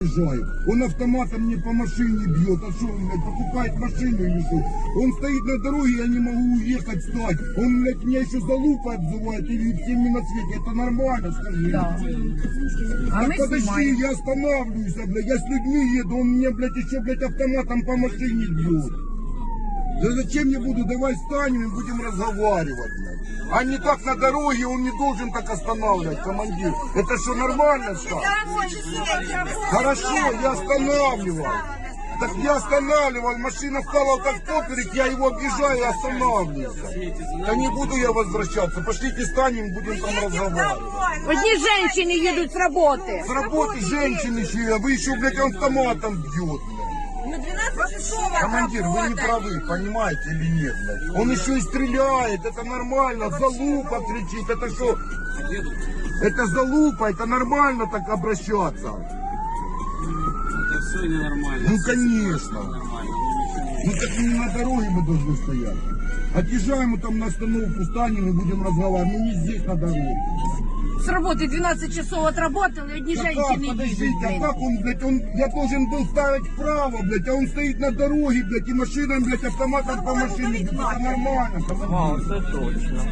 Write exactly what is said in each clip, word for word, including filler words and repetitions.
Он автоматом мне по машине бьет. А что он, блядь, покупает машину или что? Он стоит на дороге, я не могу уехать, стать. Он, блядь, меня еще за лупой обзывает или всеми на свете. Это нормально, скажи? Да. Так а подожди, снимаем. Я останавливаюсь, блядь, я с людьми еду, он мне, блядь, еще, блядь, автоматом по машине бьет. Да зачем я буду? Давай встанем и будем разговаривать, блядь. А не так на дороге, он не должен так останавливать, командир. Это что, нормально стало? Хорошо, я останавливал. Так я останавливал, машина стала так поперек, я его объезжаю и останавливаюсь. Да не буду я возвращаться. Пошлите встанем, будем там разговаривать. Одни женщины едут с работы. С работы женщины еще, а вы еще, блядь, автоматом бьет. Командир, вы не правы, понимаете или нет, блядь? Он еще и стреляет, это нормально, залупа кричит, это что? Это залупа, это нормально так обращаться. Это все ненормально. Ну конечно. Ну так не на дороге мы должны стоять. Отъезжаем мы там на остановку, станем и будем разговаривать, ну не здесь на дороге. С работы двенадцать часов отработал, и одни А женщины как, подождите, едут, а как он, блядь, он, я должен был ставить вправо, блядь, а он стоит на дороге, блядь, и машина, блядь, автоматом по машине, блядь, это нормально, командир. Это точно.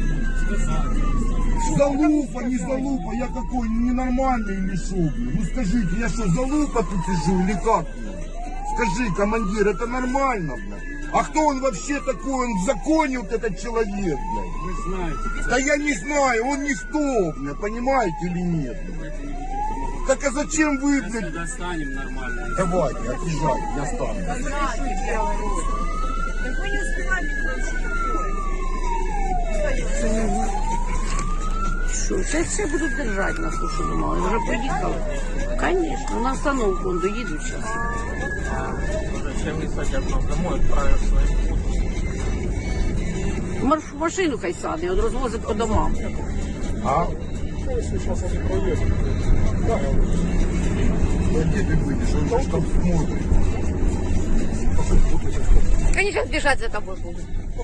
Залупа, не залупа, я какой, ненормальный или шо, блядь? Ну скажите, я что, залупа тут сижу или как, блядь? Скажи, командир, это нормально, блядь? А кто он вообще такой? Он в законе вот этот человек, блядь. Вы знаете. Да я не знаю, он никто, блядь, понимаете или нет, блядь? Так а зачем вы, блядь? Достанем нормально. Давайте, отъезжайте, я стану. Так вы не успевали Что, сейчас все будут держать нас, что думала, уже поехала. Конечно, на остановку он доедут сейчас. Зачем не садят нас домой, отправят своим путем? Марш в машину хай сади, он розвозить по домам. А? Сейчас они проедут. Да, Да где ты выйдешь? Он же там смотрит. Они сейчас бежать за тобой будут.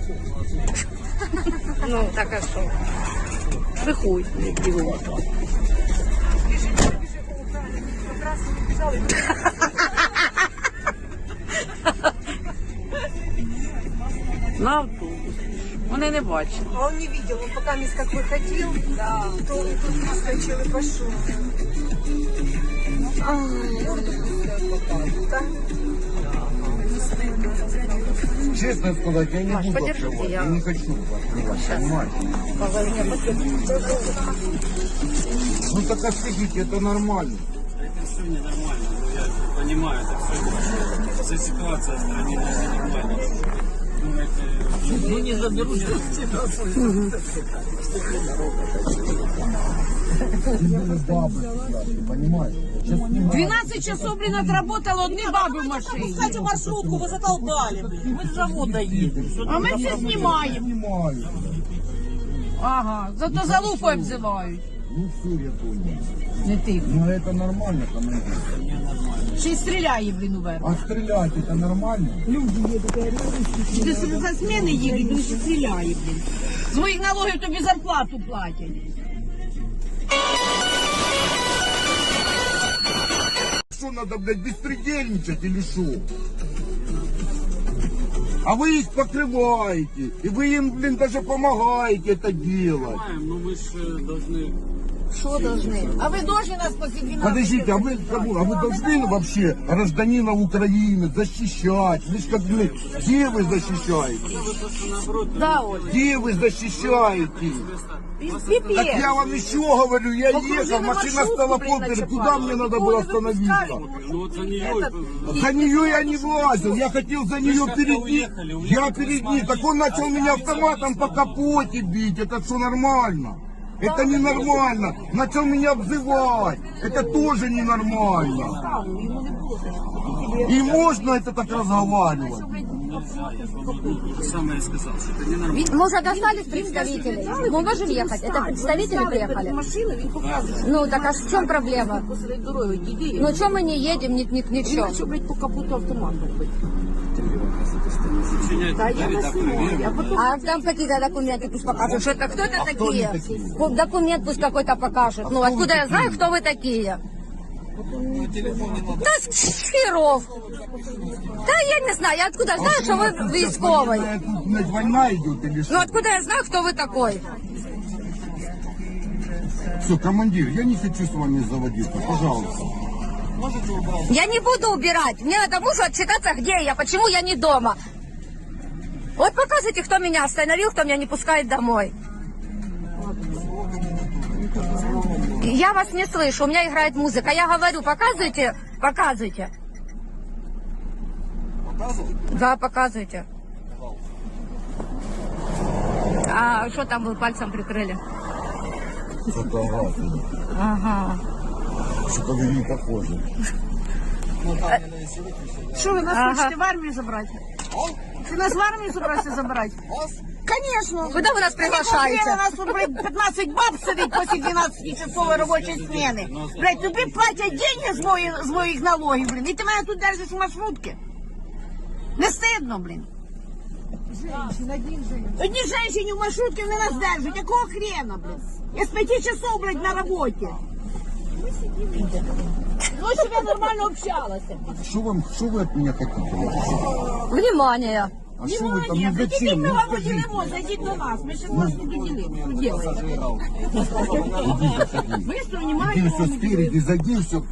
Ну, так а что? Приходь, бегу. На автобус. Вони не бачать. А он не видел, он пока мисс как выходил, да, то он тут выскочил и пошел. Честно сказать, я не Маш, буду подержите, открывать, я- я не хочу открывать, понимаете? Ну так а скажите, это нормально. Это все ненормально. Ну, я понимаю, это все. Вся ситуация в стране ненормальная. Ну, это... Ну не заберуть. Бабы сидят, понимаете? Сейчас снимают. двенадцать часов, блин, отработала одни бабы в машине. Пускайте маршрутку, вы задолбали. Мы с завода едем. А ми все знімаємо. Снимаю. Ага, зато за лупою обзивають. Ну все, я понял. Не ти. Ну это нормально, командир. Ще й стріляє, блін, уверх. А стрелять это нормально? Ти за зміни їдуть, він ще стріляє, блін. З моїх налогів тобі зарплату платять. Что надо, блядь, беспредельничать или что? А вы их покрываете, и вы им, блин, даже помогаете это делать. Понимаем, но мы же должны... Що должны? А ви должны нас после двенадцати? Подождите, а вы, кого? А вы должны вообще гражданина Украины защищать? Вы ж как, блядь, где вы защищаете? Вы просто наоборот... Да, Оль. Где вы защищаете? Пипец. Так я вам еще говорю, я Покружили ехал, машина маршрутку, стала блин, поперек, начапали. куда мне надо Никого было не выпускали. остановиться? Ну вот за нее... Этот- За нее я не влазил, я хотел за нее как-то перед ней. уехали, уехали, Я перед ней, так он начал меня автоматом по капоте бить, это что нормально? Это ненормально. Начал меня обзывать. Это тоже ненормально. И можно это так разговаривать? Самое сказал, что это ненормально. Мы уже достали представителей. Мы можем ехать. Это представители приехали. Ну так а в чем проблема? Ну что мы не едем, ни, ни, ничего. блядь, по капоту автомат робить. А там какие-то документы пусть покажут. Что это кто это А кто такие? они такие? Ку- Документ пусть какой-то покажет. Ну кто откуда вы я знаю, такие? кто вы такие? Та з херов. Та я не знаю, я откуда знаю, що ви військовий. Тут блядь, война идет или Ну что? откуда я знаю, хто ви такой? Все, командир, я не хочу с вами заводиться, пожалуйста. Я не буду убирать. Мне надо мужу отчитаться, где я, почему я не дома. Вот показывайте, кто меня остановил, кто меня не пускает домой. Я вас не слышу, у меня играет музыка. Я говорю, показывайте, показывайте. Да, показывайте. А что там вы пальцем прикрыли? Фотографии. Ага. Что-то вы не похожи. Что вы нас Ага. хотите в армию забрать? Ты нас в армию собираешься забрать? Конечно. Куда вы нас приглашаете? У нас тут, блядь, пятнадцать баб сидить после двенадцатичасової робочої зміни. Блядь, тобі платять деньги з моїх, з моїх налогів, блін. І ти мене тут держиш в маршрутці. Не стидно, блін. Одні жінки в маршрутці вони нас держать. Якого хрена, блін? Я з п'яти часов, блядь, на роботі. Ну, щоб я нормально общалася. Что вам, что вы от меня хотите? Внимание. А что вы там, Ні, ну зайдіть, зачем? ми Ну вам скажите. поділимо, зайдіть до нас. Ми ще вас не доділимо. Що делаєте? Ми ж Иди приймаємо. все спереди, зайди все.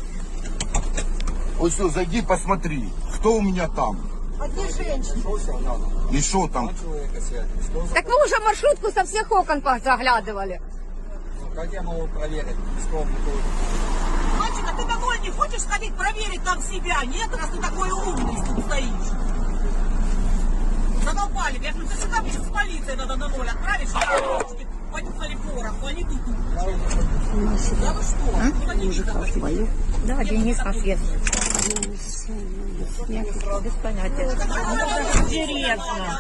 Вот все, зайди, посмотри, кто у меня там. Одни женщины. И что там? Так вы уже маршрутку со всех окон заглядывали. Как я могу проверить? Мальчик, а ты домой не хочешь сходить проверить там себя? Нет, раз ты такой умный тут стоишь. Задолбали, я говорю, ты сюда мне с полицией надо на ноль отправишь, девочки понюхали пороху, они тут. Да вы что? Куда не видно? Да, Денис нас есть. Нет, без понятия. Интересно.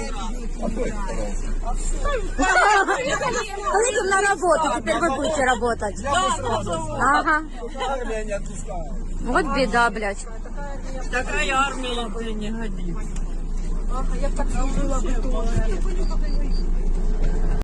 Поедем на работу, теперь вы будете работать. Ага. Армия не отпускает. Вот беда, блядь. Такая армия, блин, не годится. Я б так служила бы тоже.